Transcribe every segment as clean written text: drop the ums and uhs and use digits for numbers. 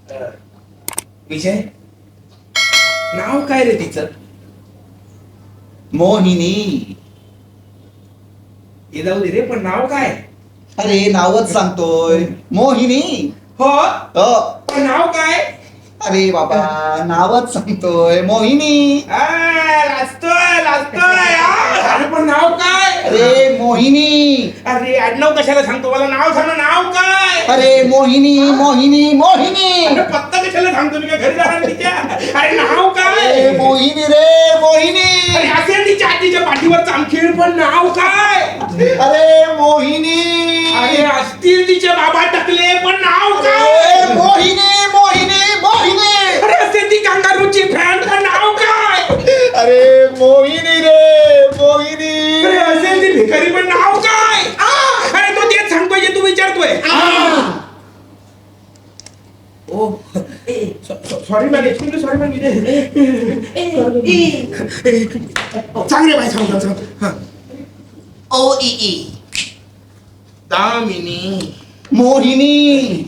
विजय, नाव काय रे तिचं? मोहिनी. हे जाऊ दे रे, पण नाव काय? अरे नावच सांगतोय, मोहिनी. हो, हो. पण नाव काय? अरे बाबा, नावच सांगतोय, मोहिनी. लाजतोय लाजतोय. अरे पण नाव काय? अरे मोहिनी. अरे आडनाव कशाला सांगतो? मला नाव सांग ना, नाव काय? अरे मोहिनी मोहिनी मोहिनी. अरे पत्ता कशाला सांगतो? मी काय घरी जाणार तिच्या? अरे नाव काय? अरे मोहिनी रे मोहिनी. अरे असेल तिच्या आजीच्या पाठीवर चामखीर, पण नाव काय? अरे मोहिनी. अरे असतील तिचे बाबा टाकले, पण नाव काय? अरे मोहिनी मोहिनी मोहिनी. अरे असेल ती कांगारूची फॅन, पण नाव काय? अरे मोहिनी रे मोहिनी. अरे असेल ती भिकारी, पण नाव काय? अरे तो तेच सांगतोय जे तू विचारतोय. Oh sorry ma'am, excuse sorry ma'am. सांग रे बाई, सांग. ओ ई ई. दामिनी. मोहिनी.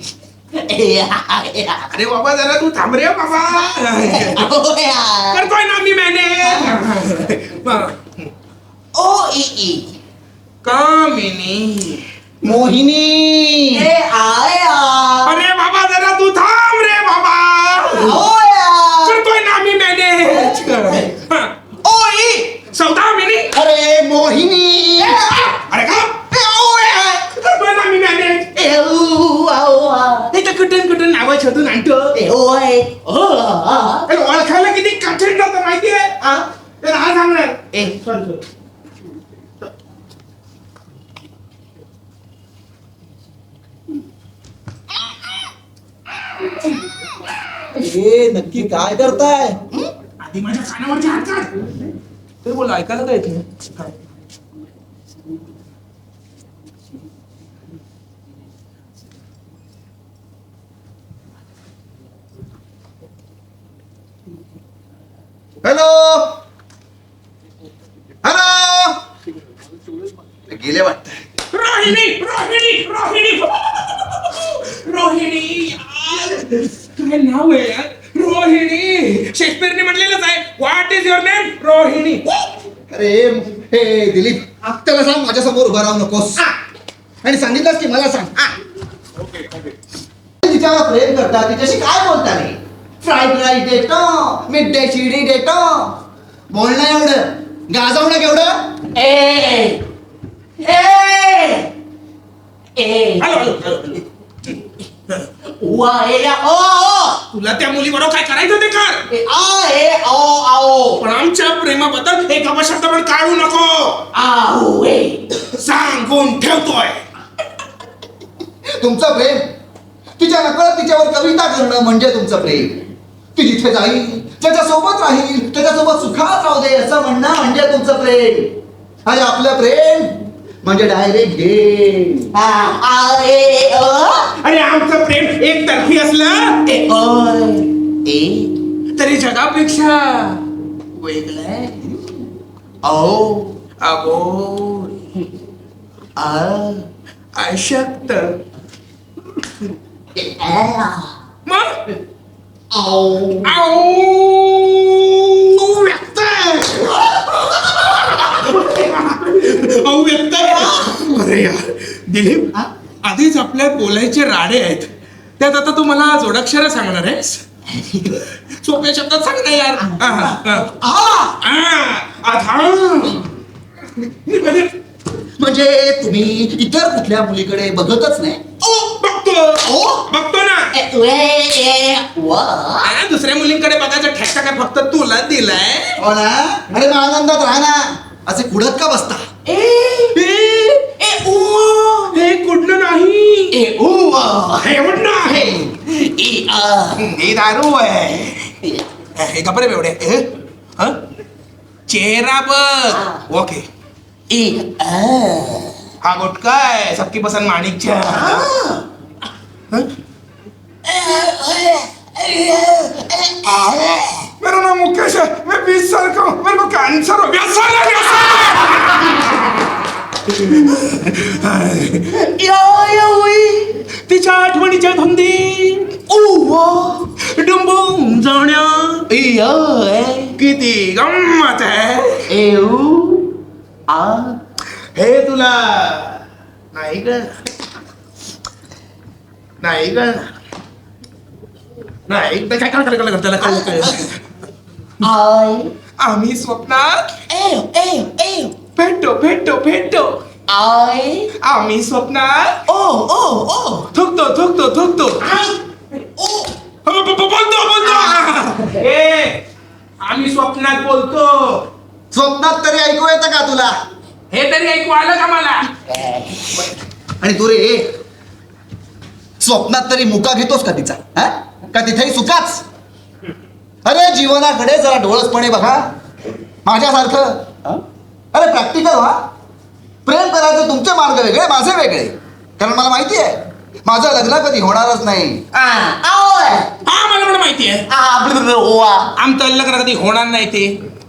अरे बाबा जरा तू थांब रे बाबा. करतोय ना मी मॅनेज. ओ ई ई. कामिनी. मोहिनी. अरे बाबा जरा तू थांब रे बाबा. करतोय ना मी मॅनेज. ओ ई सौदामिनी. अरे मोहिनी. अरे का करतोय ना मी मॅनेज. कुठून कुठून नावं शोधून आणतो. ओळखायला किती कठीण जातं माहितीये. तर हा सांगणार. हे नक्की काय करताय? आधी माझ्या कानावरचे हात काढ. ते बोल, ऐकायला काय येते? Hello hello. गेले वाटत. रोहिणी रोहिणी रोहिणी रोहिणी. यार काय नाव आहे यार? रोहिणी. शेक्सपियरने म्हटलेलंच आहे, what is your name? Rohini. अरे हे दिलीप, त्याला सांग माझ्या समोर उभा राहू नकोस. आणि सांगितलंस की मला सांग. तिच्यावर प्रेम करता, तिच्याशी काय बोलता रे? फ्राईड राईस देतो, मिड डे शिडी देतो. बोलणं एवढं, गाजवणं केवढं? Hello hello. तुला त्या मुलीबरोबर काय करायचं ते कर, पण आमच्या प्रेमाबद्दल एक अपशब्द पण काढू नको. सांगून ठेवतोय. तुमचं प्रेम, तिच्या नकळत तिच्यावर कविता करणं म्हणजे तुमचं प्रेम. ती जिथे जाईल त्याच्यासोबत राहील, त्याच्यासोबत सुखात राहू दे असं म्हणणं म्हणजे तुमचं प्रेम. आणि आपलं प्रेम म्हणजे डायरेक्ट गेम. आणि आमचं प्रेम एक तर्फी असलं तरी जगापेक्षा वेगळं. अबोल अशक्त. मग व्यक्त व्यक्त. अरे यार दिलीप, आधीच आपल्या बोलायचे राडे आहेत, त्यात आता तू मला जोडाक्षर सांगणार आहेस? सोप्या शब्दात सांग ना यार. म्हणजे तुम्ही इतर कुठल्या मुलीकडे बघतच नाही? बघतो ना. दुसऱ्या मुलींकडे बघायचा ठेका काय फक्त तुला दिलाय? हो ना. अरे मग आनंदात राहा ना, असे कुडत का बसता? हे कुठलं नाही, हे कुठलं आहे? हे दारू आहे. हे कपडे बेवडे. चेहरा बघ. ओके. हा गुटका है, सबकी पसंद माणिकच्या. मेरा नाम मुकेश है, मैं 20 साल का हूँ, मेरे को कैंसर हो गया. तिच्या आठवणीच्या धुंदी किती गंमत आहे. हे तुला नाही ग, नाही ग, नाही काय काय काय काय त्याला काय आम्ही स्वप्नात भेटतो भेटतो भेटतो. आम्ही स्वप्नात थुकतो थुकतो थुकतो बोलतो बोलतो. आम्ही स्वप्नात बोलतो. स्वप्नात तरी ऐकू येतं का तुला? हे तरी ऐकू आलं का मला? आणि तू रे स्वप्नात तरी मुका घेतोस का तिचा? हा? का तिथेही सुखाच? अरे जीवनाकडे जरा डोळसपणे बघा माझ्यासारखं. अरे प्रॅक्टिकल व्हा. प्रेम करायचे तुमचे मार्ग वेगळे, माझे वेगळे. कारण मला माहिती आहे माझं लग्न कधी होणारच नाही. हा मला पण माहिती आहे आमचं लग्न कधी होणार नाही ते.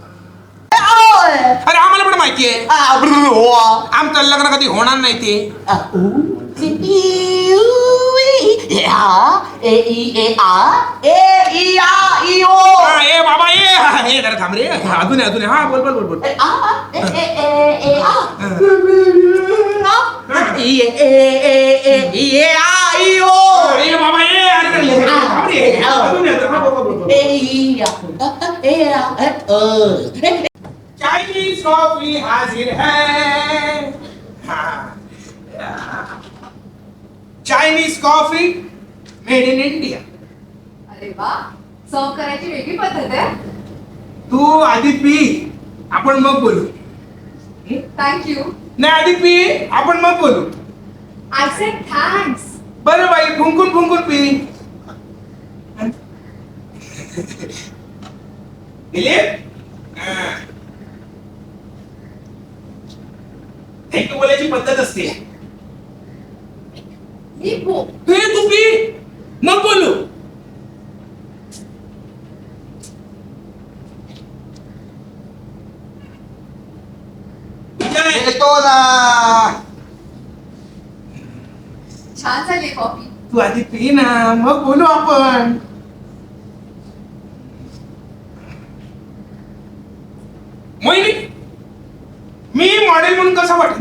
अरे आम्हाला पण माहिती आहे आमचं लग्न कधी होणार नाही ते. ए बाबा ए जरा थांब रे. अजून अजून हा बोल बोल बोल बोल. ए बाबा ए अरे थांब रे. अजून हा बोल बोल बोल. चाइनीज कॉफी हाजिर है. Chinese coffee made in India. अरे वा, सर्व करायची वेगळी पद्धत आहे. तू आधी पी आपण मग बोलू. थँक्यू. नाही आधी पी आपण मग बोलू. I said thanks. बरं बाई फुंकून फुंकून पी. दिलीप थँक्यू बोलायची पद्धत असते. तू पी मग बोलू. येतो ना. छान झाली कॉफी. तू आधी पी ना मग बोलू आपण. मोहिनी मी मॉडेल म्हणून कसा वाटत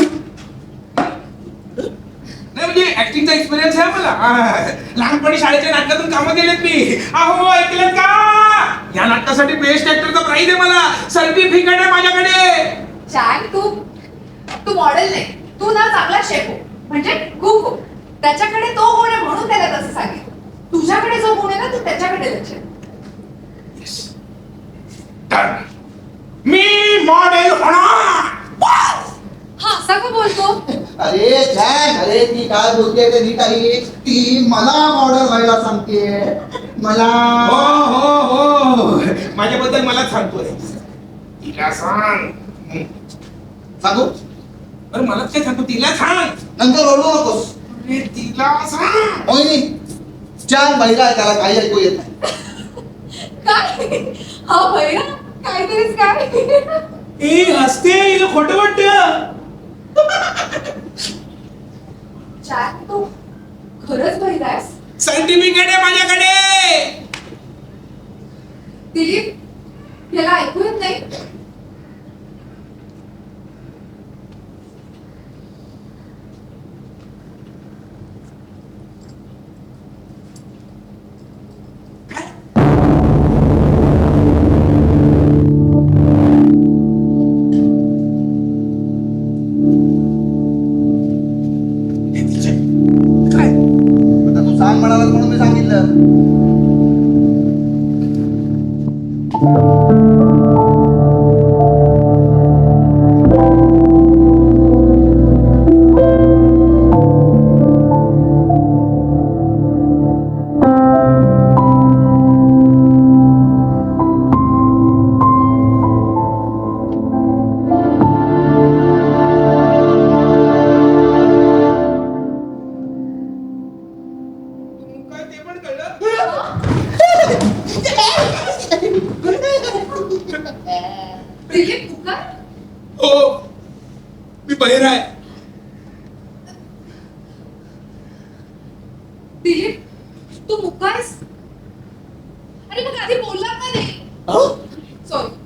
नाही म्हणजे ऍक्टिंगचा एक्सपिरियन्स आहे मला. लहानपणी शाळेच्या नाटकातून कामं केलेत मी. अहो ऐकलं का? या नाटकासाठी बेस्ट ऍक्टरचा प्राइज आहे मला. सर्टिफिकेट आहे माझ्याकडे. चॅक तू मॉडेल नाही, तू ना चांगला शेफ हो, म्हणजे कुक हो. त्याच्याकडे तो गुण आहे म्हणून त्याला तसं सांगितलं. तुझ्याकडे जो गुण आहे ना तू त्याच्याकडे लक्ष दे. मी मॉडेल होणार. हा असं का बोलतो? अरे जॅक, अरे ती काय बोलते ते नीट आहे. ती मला मॉडेल व्हायला सांगते. मला हो हो हो माझ्याबद्दल मला सांगतोय. तिला सांग. सांगू? अरे मला काय सांगतो तिला सांग. नंतर ओरडू नकोस. अरे तिला सांग. मोहिनी छान बहिरा आहे, त्याला काही ऐकू येत नाही. काय हा भैया काहीतरीच काय. ए हसते हिला खोटं वाटतं. चॅक तू खरंच भैया आहेस? सर्टिफिकेट आहे माझ्याकडे. दिलीप याला ऐकू येत नाही. काय आता तू सांग म्हणालास म्हणून मी सांगितलं. काय ते पण कळलं. दिलीप तू काय? हो मी बहिरा आहे. दिलीप तू मुक्का आहेस? अरे मग आधी बोलला का नाही? सॉरी.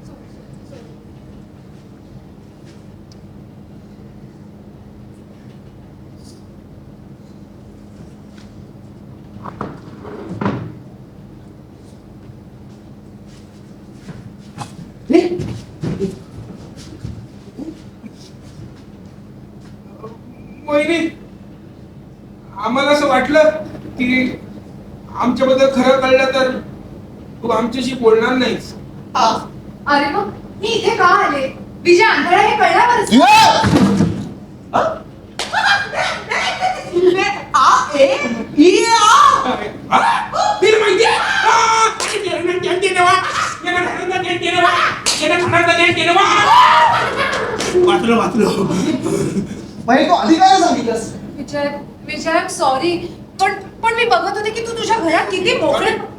मोहिनी, आम्हाला असं वाटलं की आमच्याबद्दल खरं कळलं तर तू आमच्याशी बोलणार नाहीस. अरे मग मी इथे का आले? विजय आंधळा हे कळल्यावरच. तिला माहिती वाचलो वाचलो. म्हणजे तू आधी काय सांगितलंस? विजय विजय सॉरी पण पण मी बघत होते की तू तुझ्या घरात किती मोकळे